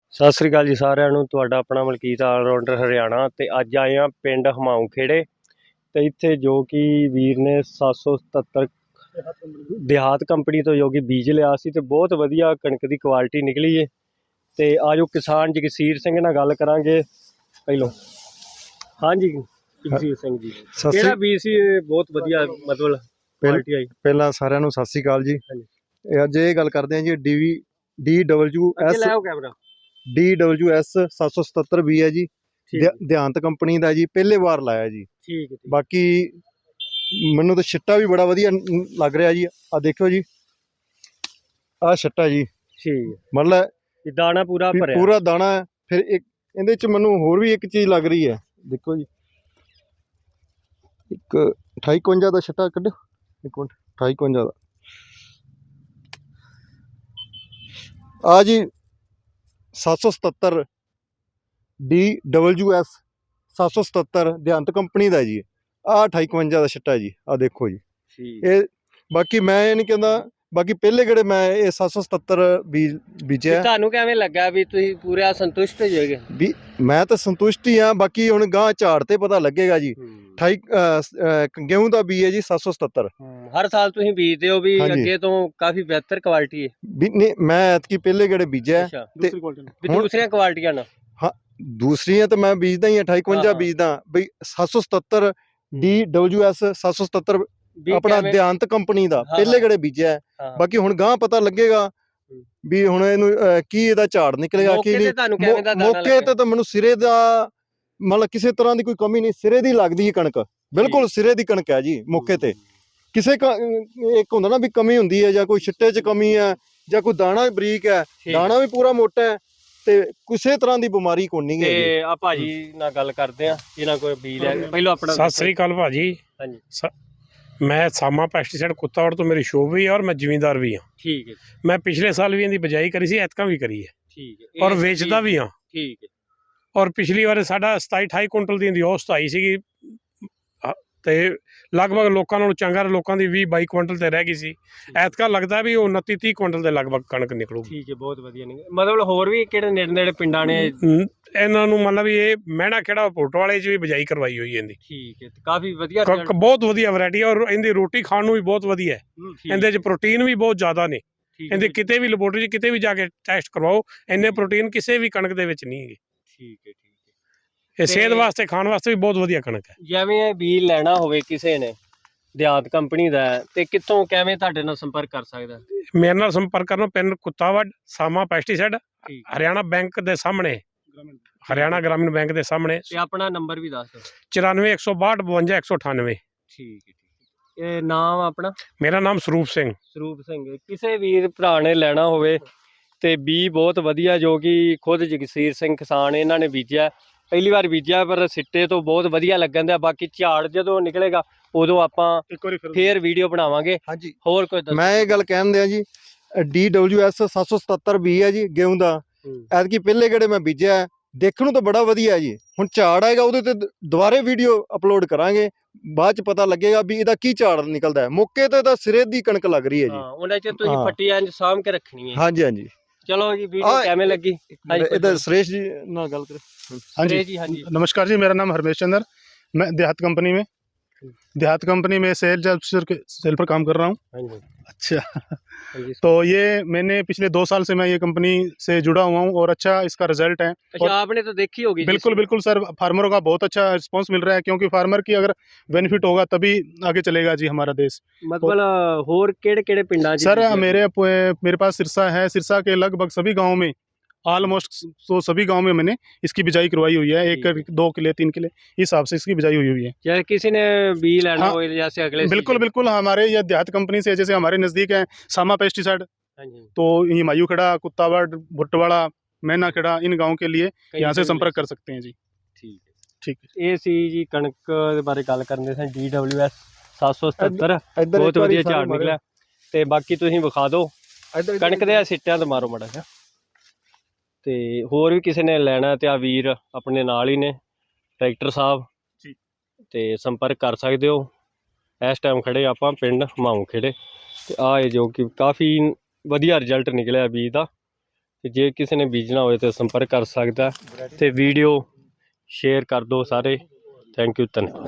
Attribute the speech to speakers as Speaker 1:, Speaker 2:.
Speaker 1: ਸਤਿ ਸ੍ਰੀ ਅਕਾਲ ਜੀ ਸਾਰਿਆਂ ਨੂੰ। ਤੁਹਾਡਾ ਆਪਣਾ ਮਲਕੀਤ ਆਲਰਾਊਂਡਰ ਹਰਿਆਣਾ ਤੇ ਅੱਜ ਆਏ ਆ ਪਿੰਡ ਹਮਾਊਂ ਖੇੜੇ ਤੇ ਇੱਥੇ ਜੋ ਕਿ ਵੀਰ ਨੇ 777 ਦਿਹਾਤ ਕੰਪਨੀ ਤੋਂ ਜੋ ਕਿ ਬੀਜ ਲਿਆ ਸੀ ਤੇ ਬਹੁਤ ਵਧੀਆ ਕਣਕ ਦੀ ਕੁਆਲਿਟੀ ਨਿਕਲੀ ਏ। ਤੇ ਆਜੋ ਕਿਸਾਨ ਜਗਸੀਰ ਸਿੰਘ ਨਾਲ ਗੱਲ ਕਰਾਂਗੇ ਪਹਿਲੋਂ। ਹਾਂਜੀ ਜਗਸੀਰ ਸਿੰਘ ਜੀ, ਕਿਹੜਾ ਬੀਜ ਸੀ? ਬਹੁਤ ਵਧੀਆ ਮਤਲਬ ਕੁਆਲਿਟੀ ਆਈ।
Speaker 2: ਪਹਿਲਾਂ ਸਾਰਿਆਂ ਨੂੰ ਸਤਿ ਸ੍ਰੀ ਅਕਾਲ ਜੀ। ਅੱਜ ਇਹ ਗੱਲ ਕਰਦੇ ਹਾਂ ਜੀ DWS 777 ਵੀ ਹੈ ਜੀ, ਦਿਹਾਤ ਕੰਪਨੀ ਦਾ ਜੀ। ਪਹਿਲੇ ਵਾਰ ਲਾਇਆ ਜੀ।
Speaker 1: ਠੀਕ ਹੈ।
Speaker 2: ਬਾਕੀ ਮੈਨੂੰ ਤਾਂ ਛਿੱਟਾ ਵੀ ਬੜਾ ਵਧੀਆ ਲੱਗ ਰਿਹਾ ਜੀ। ਆ ਦੇਖੋ ਜੀ, ਆ ਛਿੱਟਾ ਜੀ।
Speaker 1: ਠੀਕ,
Speaker 2: ਮਤਲਬ
Speaker 1: ਦਾਣਾ ਪੂਰਾ ਭਰਿਆ,
Speaker 2: ਪੂਰਾ ਦਾਣਾ। ਫਿਰ ਇੱਕ ਇਹਦੇ ਚ ਮੈਨੂੰ ਹੋਰ ਵੀ ਇੱਕ ਚੀਜ਼ ਲੱਗ ਰਹੀ ਹੈ, ਦੇਖੋ ਜੀ। ਇੱਕ 2851 ਦਾ ਛਿੱਟਾ ਕੱਢੋ, ਇੱਕ ਮਿੰਟ। 2851 ਦਾ ਆ ਜੀ, 777 DWS 777 ਦਿਹਾਤ ਕੰਪਨੀ ਦਾ ਜੀ। ਆਹ 2851 ਦਾ ਛਿੱਟਾ ਜੀ। ਆ ਦੇਖੋ ਜੀ। ਇਹ ਬਾਕੀ ਮੈਂ ਇਹ ਨਹੀਂ ਕਹਿੰਦਾ, ਬਾਕੀ ਪਹਿਲੇ ਕਿਹੜੇ ਮੈਂ ਇਹ 777 ਬੀਜਿਆ।
Speaker 1: ਤੁਹਾਨੂੰ ਕਿਵੇਂ ਲੱਗਾ ਵੀ ਤੁਸੀਂ ਪੂਰਾ ਸੰਤੁਸ਼ਟ ਹੋ ਜਾਓਗੇ?
Speaker 2: ਵੀ ਮੈਂ ਤਾਂ ਸੰਤੁਸ਼ਟ ਹੀ ਆ। ਬਾਕੀ ਹੁਣ ਗਾਂ ਝਾੜ ਤੇ ਪਤਾ ਲੱਗੇਗਾ ਜੀ। 28 ਗੇਹੂੰ ਦਾ ਬੀਜ ਹੈ ਜੀ 777।
Speaker 1: ਹਰ ਸਾਲ ਤੁਸੀਂ ਬੀਜਦੇ ਹੋ ਵੀ ਅੱਗੇ ਤੋਂ ਕਾਫੀ ਬਿਹਤਰ ਕੁਆਲਿਟੀ ਹੈ
Speaker 2: ਵੀ? ਨਹੀਂ, ਮੈਂ ਐਤਕੀ ਪਹਿਲੇ ਕਿਹੜੇ ਬੀਜਿਆ ਤੇ
Speaker 1: ਦੂਸਰੀਆਂ ਕੁਆਲਿਟੀਆਂ ਨਾ।
Speaker 2: ਹਾਂ, ਦੂਸਰੀਆਂ ਤਾਂ ਮੈਂ ਬੀਜਦਾ ਹੀ ਆ। 2851 ਬੀਜਦਾ ਬਈ। 777 DWS 777 ਆਪਣਾ ਦਿਹਾਤ ਕੰਪਨੀ ਦਾ ਪਹਿਲੇ ਕਿਹੜੇ ਬੀਜਿਆ। ਬਾਕੀ ਹੁਣ ਗਾਂ ਪਤਾ ਲੱਗੇਗਾ ਵੀ ਹੁਣ ਇਹਨੂੰ ਕੀ ਇਹਦਾ ਝਾੜ ਨਿਕਲੇਗਾ ਕੀ ਨਹੀਂ। ਮੌਕੇ ਤੇ ਤਾਂ ਮੈਨੂੰ ਸਿਰੇ ਦਾ ਮਤਲਬ ਕਿਸੇ ਤਰ੍ਹਾਂ ਦੀ ਕੋਈ ਕਮੀ ਨਹੀਂ, ਸਿਰੇ ਦੀ ਲੱਗਦੀ ਹੈ ਕਣਕ। ਬਿਲਕੁਲ ਸਿਰੇ ਦੀ ਕਣਕ ਹੈ ਜੀ। ਮੌਕੇ ਤੇ ਕਿਸੇ ਇੱਕ ਹੁੰਦਾ ਨਾ ਵੀ ਕਮੀ ਹੁੰਦੀ ਹੈ, ਜਾਂ ਕੋਈ ਛਿੱਟੇ 'ਚ ਕਮੀ ਹੈ, ਜਾਂ ਕੋਈ ਦਾਣਾ ਬਰੀਕ ਹੈ, ਦਾਣਾ ਵੀ ਪੂਰਾ ਮੋਟਾ ਹੈ, ਤੇ ਕਿਸੇ ਤਰ੍ਹਾਂ ਦੀ ਬਿਮਾਰੀ ਕੋਈ ਨਹੀਂ ਹੈ।
Speaker 1: ਤੇ ਆ ਭਾਜੀ ਨਾਲ ਗੱਲ ਕਰਦੇ ਆ, ਇਹਨਾਂ ਕੋਲ ਬੀਜ ਲੈ। ਪਹਿਲਾਂ ਆਪਣਾ
Speaker 3: ਸਤਿ ਸ੍ਰੀ ਅਕਾਲ ਭਾਜੀ। ਹਾਂਜੀ, मैं सामा पेस्टिसाइड कुत्तावड़ तो मेरी शॉप भी है और मैं जिमीदार भी हाँ।
Speaker 1: ठीक है।
Speaker 3: मैं पिछले साल भी इनकी बिजाई करी सी, ऐतका भी करी है।
Speaker 1: ठीक है।
Speaker 3: और वेचता भी हाँ।
Speaker 1: ठीक है।
Speaker 3: और पिछली बार साढ़ा 27-28 कुंटल दी औसत आई सी ते लगभग लोगों नालों चंगा, लोगों की 20-22 कुंटल ते रह गई सी। ऐतका लगता भी 29-30 कुंटल के लगभग कणक निकलूगी।
Speaker 1: ठीक है, बहुत वधिया। मतलब होर भी किहड़े नेड़े नेड़े पिंडां ने
Speaker 3: इन्हां नूं मतलब ये मैणा खेड़ा पोटवाले च भी बिजाई करवाई हुई है इहदी।
Speaker 1: ठीक है, काफी वधिया,
Speaker 3: बहुत वधिया वैरायटी है। और इहदी रोटी खाण नूं भी बहुत वधिया है। इहदे च प्रोटीन भी बहुत ज़्यादा ने। इहदे किते भी लैबोरेटरी च किते भी जाके टैसट करवाओ, इन्ने प्रोटीन किसी भी कणक दे विच नहीं है।
Speaker 1: ठीक है।
Speaker 3: ਇਹ ਸਿਹਤ ਵਾਸਤੇ, ਖਾਣ ਵਾਸਤੇ ਵੀ ਬਹੁਤ ਵਧੀਆ ਕਣਕ ਹੈ।
Speaker 1: ਜਿਵੇਂ ਬੀਜ ਲੈਣਾ ਹੋਵੇ ਕਿਸੇ ਨੇ ਦਿਹਾਤ ਕੰਪਨੀ ਦਾ, ਤੇ ਕਿੱਥੋਂ ਕਿਵੇਂ ਤੁਹਾਡੇ ਨਾਲ ਸੰਪਰਕ ਕਰ ਸਕਦਾ?
Speaker 3: ਮੇਰੇ ਨਾਲ ਸੰਪਰਕ ਕਰਨਾ ਪਿੰਡ ਕੁੱਤਾਵੜ, ਸਾਮਾ ਪੈਸਟੀਸਾਈਡ, ਹਰਿਆਣਾ ਬੈਂਕ ਦੇ ਸਾਹਮਣੇ, ਹਰਿਆਣਾ ਗ੍ਰਾਮੀਣ ਬੈਂਕ ਦੇ ਸਾਹਮਣੇ।
Speaker 1: ਤੇ ਆਪਣਾ ਨੰਬਰ ਵੀ ਦੱਸ ਦਿਓ।
Speaker 3: 94 162 52 198।
Speaker 1: ਠੀਕ ਹੈ। ਇਹ ਨਾਮ ਆਪਣਾ? ਮੇਰਾ
Speaker 3: ਨਾਮ ਸਰੂਪ ਸਿੰਘ।
Speaker 1: ਸਰੂਪ ਸਿੰਘ। ਕਿਸੇ ਵੀਰ ਭਰਾ ਨੇ ਲੈਣਾ ਹੋਵੇ ਤੇ ਬੀ ਬਹੁਤ ਵਧੀਆ, ਜੋ ਕਿ ਖੁਦ ਜਗਸੀਰ ਸਿੰਘ ਕਿਸਾਨ ਇਹਨਾਂ ਨੇ ਬੀਜਿਆ। ਪਹਿਲੀ ਵਾਰ ਬੀਜਿਆ ਪਰ ਸਿੱਟੇ ਤੋਂ ਬਹੁਤ ਵਧੀਆ ਲੱਗਣ ਦਿਆ। ਬਾਕੀ ਝਾੜ ਜਦੋਂ ਨਿਕਲੇਗਾ ਉਦੋਂ ਆਪਾਂ ਫੇਰ ਵੀਡੀਓ ਬਣਾਵਾਂਗੇ।
Speaker 2: ਹਾਂਜੀ,
Speaker 1: ਹੋਰ ਕੋਈ ਦੱਸੋ?
Speaker 2: ਮੈਂ ਇਹ ਗੱਲ ਕਹਿਣ ਦਿਆਂ ਜੀ, DWS 777 ਬੀ ਹੈ ਜੀ ਗੇਹੂੰ ਦਾ। ਐਤਕੀ ਪਹਿਲੇ ਕਿਹੜੇ ਮੈਂ ਬੀਜਿਆ, ਦੇਖਣ ਨੂੰ ਤਾਂ ਬੜਾ ਵਧੀਆ ਹੈ ਜੀ। ਹੁਣ ਝਾੜ ਆਏਗਾ ਉਹਦੇ ਤੇ ਦੁਬਾਰੇ ਵੀਡੀਓ ਅਪਲੋਡ ਕਰਾਂਗੇ, ਬਾਅਦ ਚ ਪਤਾ ਲੱਗੇਗਾ ਵੀ ਇਹਦਾ ਕੀ ਝਾੜ ਨਿਕਲਦਾ ਹੈ। ਮੌਕੇ ਤੇ ਤਾਂ ਸਿਰੇ ਦੀ ਕਣਕ ਲੱਗ ਰਹੀ ਹੈ ਜੀ।
Speaker 1: ਉਹਨਾਂ ਚ ਤੁਸੀਂ ਪੱਟੀ ਇੰਜ ਸਾਂਭ ਕੇ ਰੱਖਣੀ ਹੈ।
Speaker 2: ਹਾਂਜੀ ਹਾਂਜੀ।
Speaker 1: चलो जी, वीडियो कैमे लगी?
Speaker 2: इधर सुरेश जी ना गल करें।
Speaker 4: हाँ जी, नमस्कार जी। मेरा नाम हरमेश चंद्र, मैं देहात कंपनी में सेल पर काम कर रहा हूँ। अच्छा, तो ये मैंने पिछले 2 साल से मैं ये कंपनी से जुड़ा हुआ हूँ और अच्छा इसका रिजल्ट है।
Speaker 1: अच्छा, आपने तो देखी होगी।
Speaker 4: बिल्कुल सर, फार्मरों का बहुत अच्छा रिस्पांस मिल रहा है, क्योंकि फार्मर की अगर बेनिफिट होगा तभी आगे चलेगा जी हमारा देश।
Speaker 1: मतलब होर केड़े पिंडा
Speaker 4: सर? मेरे पास सिरसा है। सिरसा के लगभग सभी गाँव में, ऑलमोस्ट तो सभी गांव में मैंने इसकी बिजाई करवाई हुई है। 1 2 किले 3 किले हिसाब से इसकी बिजाई हुई है।
Speaker 1: चाहे किसी ने बी लेना हो जैसे अगले
Speaker 4: बिल्कुल हमारे ये देहात कंपनी से, जैसे हमारे नज़दीक है सामा पेस्टिसाइड, तो हिमायू खेड़ा, कुत्तावड़, भुट्टवाड़ा, मैना खेड़ा, इन गाँव के लिए यहाँ से संपर्क कर सकते हैं जी। ठीक है।
Speaker 1: ये सी जी कणक दे बारे गल करदे सन। DWS 777 बहुत वधिया झाड़ निकला। ते बाकी तुसीं विखा दो कणक दे सिट्टियां ते मारो मड़ा जिहा। ਤੇ ਹੋਰ ਵੀ ਕਿਸੇ ਨੇ ਲੈਣਾ ਤੇ ਆ ਵੀਰ ਆਪਣੇ ਨਾਲ ਹੀ ਨੇ, ਟਰੈਕਟਰ ਸਾਹਿਬ ਜੀ, ਤੇ ਸੰਪਰਕ ਕਰ ਸਕਦੇ ਹੋ। ਇਸ ਟਾਈਮ ਖੜੇ ਆਪਾਂ ਪਿੰਡ ਹਮਾਊਂ ਖੇੜੇ ਤੇ ਆ ਇਹ ਜੋ ਕਿ ਕਾਫੀ ਵਧੀਆ ਰਿਜ਼ਲਟ ਨਿਕਲਿਆ ਬੀਜ ਦਾ। ਤੇ ਜੇ ਕਿਸੇ ਨੇ ਬੀਜਣਾ ਹੋਵੇ ਤਾਂ ਸੰਪਰਕ ਕਰ ਸਕਦਾ ਤੇ ਵੀਡੀਓ ਸ਼ੇਅਰ ਕਰ ਦਿਓ ਸਾਰੇ। ਥੈਂਕ ਯੂ, ਧੰਨਵਾਦ।